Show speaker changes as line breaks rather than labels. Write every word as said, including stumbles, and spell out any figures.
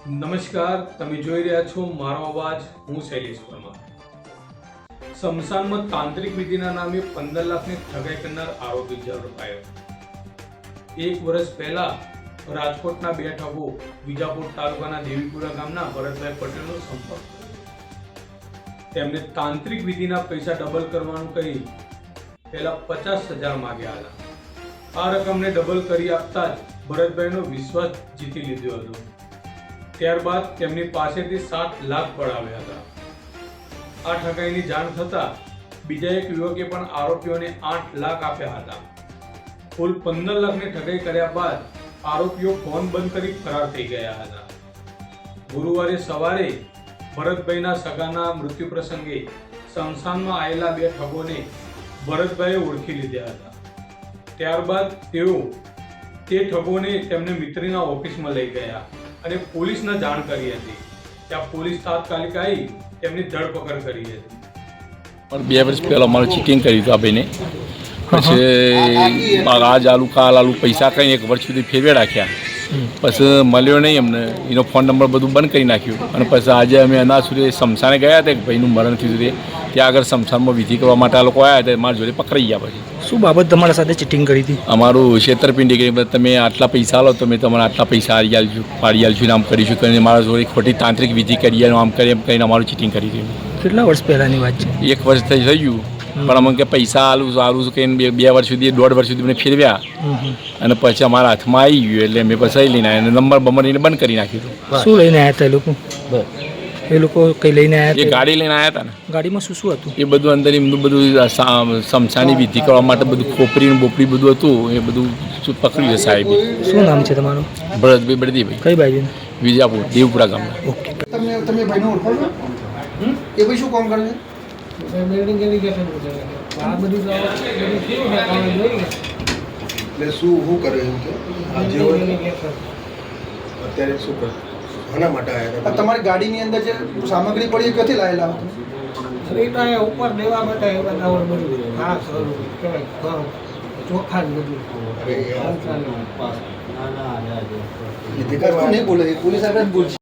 નમસ્કાર, તમે જોઈ રહ્યા છો મારો અવાજ. હું શૈલેષ પરમાર. શમશાનમાં તાંત્રિક વિધિના નામે પંદર લાખની ઠગાઈ કરનાર આરોપી ઝડપાયો. એક વર્ષ પહેલા રાજકોટના બે ઠગો વિજાપુર તાલુકાના દેવીપુરા ગામના ભરતભાઈ પટેલનો સંપર્ક કર્યો. તેમને તાંત્રિક વિધિના પૈસા ડબલ કરવાનું કહી પહેલા પચાસ હજાર માંગ્યા હતા. આ રકમને ડબલ કરી આપતા જ ભરતભાઈનો વિશ્વાસ જીતી લીધો હતો. ત્યારબાદ તેમની પાસેથી સાત લાખ પડાવ્યા હતા. આ ઠગાઈની જાણ થતા બીજા એક યુવકે પણ આરોપીઓને આઠ લાખ આપ્યા હતા. કુલ પંદર લાખની ઠગાઈ કર્યા બાદ આરોપીઓ ફોન બંધ કરી ફરાર થઈ ગયા હતા. ગુરુવારે સવારે ભરતભાઈના સગાના મૃત્યુ પ્રસંગે શમશાનમાં આવેલા બે ઠગોને ભરતભાઈએ ઓળખી લીધા હતા. ત્યારબાદ તેઓ તે ઠગોને તેમને મિત્રના ઓફિસમાં લઈ ગયા અને પોલીસને જાણ કરી હતી. ત્યાં પોલીસ તાત્કાલિક આવી તેમની ધરપકડ કરી હતી.
પણ બે વર્ષ પહેલાં અમારે ચીટિંગ કરી હતું આ ભાઈને. પછી આજ આલુ કાલ આલુ પૈસા કંઈ એક વર્ષ સુધી ફેરવે રાખ્યા. પછી મળ્યો નહીં અમને, એનો ફોન નંબર બધું બંધ કરી નાખ્યું. અને પછી આજે અમે એના સુધી શમશાને ગયા હતા કે ભાઈનું મરણ થયું હતું. ત્યાં આગળ શમશાનમાં વિધિ કરવા માટે આ લોકો આવ્યા હતા. મારા જોડે પકડાઈ ગયા. પછી
શું બાબત તમારા સાથે ચીટિંગ કરી હતી?
અમારું છેતરપિંડી કરી, તમે આટલા પૈસા લો તો મેં તમારે આટલા પૈસા હારી આલશું પાડી આલશું આમ કરીશું કરીને મારા જોડે ખોટી તાંત્રિક વિધિ કરી આમ કરી એમ કરીને અમારું ચીટિંગ કરી દીધું.
કેટલા વર્ષ પહેલાંની વાત છે?
એક વર્ષ થઈ ગયું. પણ અમને કે પૈસા આલું સારું કે બે બે વર્ષ સુધી દોઢ વર્ષ સુધી મને ફેરવ્યા. અને પછી અમારા હાથમાં આવી ગયું એટલે મેં પછી લઈને આવ્યા અને નંબર બમરીને બંધ કરી નાખ્યું.
શું લઈને આવ્યા હતા એ લોકો? એ લોકો કઈ લઈને આવ્યા?
એ ગાડી લઈને આવ્યા હતા ને.
ગાડીમાં શું શું હતું?
એ બધું અંદર એમનું બધું શમશાની વિધિ કરવા માટે બધું ખોપરી ને બોપરી બધું હતું. એ બધું શું પકડ્યું છે સાહેબ.
શું નામ છે તમારું?
ભરતભાઈ બળદીભાઈ.
કઈ બાજુ?
વિજાપુર દેવપુરા ગામના.
ઓકે.
તમે તમે ભાઈને ઓળખો છો? એ ભાઈ શું કામ કરે છે?
બિલ્ડિંગ એલિગેશન છે આ બધું તો બધું કેવું છે કામ જોઈ
એટલે શું શું કરે એવું છે? આજે અત્યારે શું કરે? આના માટે આવ્યા હતા. તમારી ગાડીની અંદર જે સામગ્રી પડી એ ક્યાંથી લાવેલા હતા?
રીટા એ ઉપર દેવા માટે એ બધા બધું હા સારું કહેવાય ચોખા જ બધું
એ નહીં બોલે, પોલીસ આગળ જ બોલશે.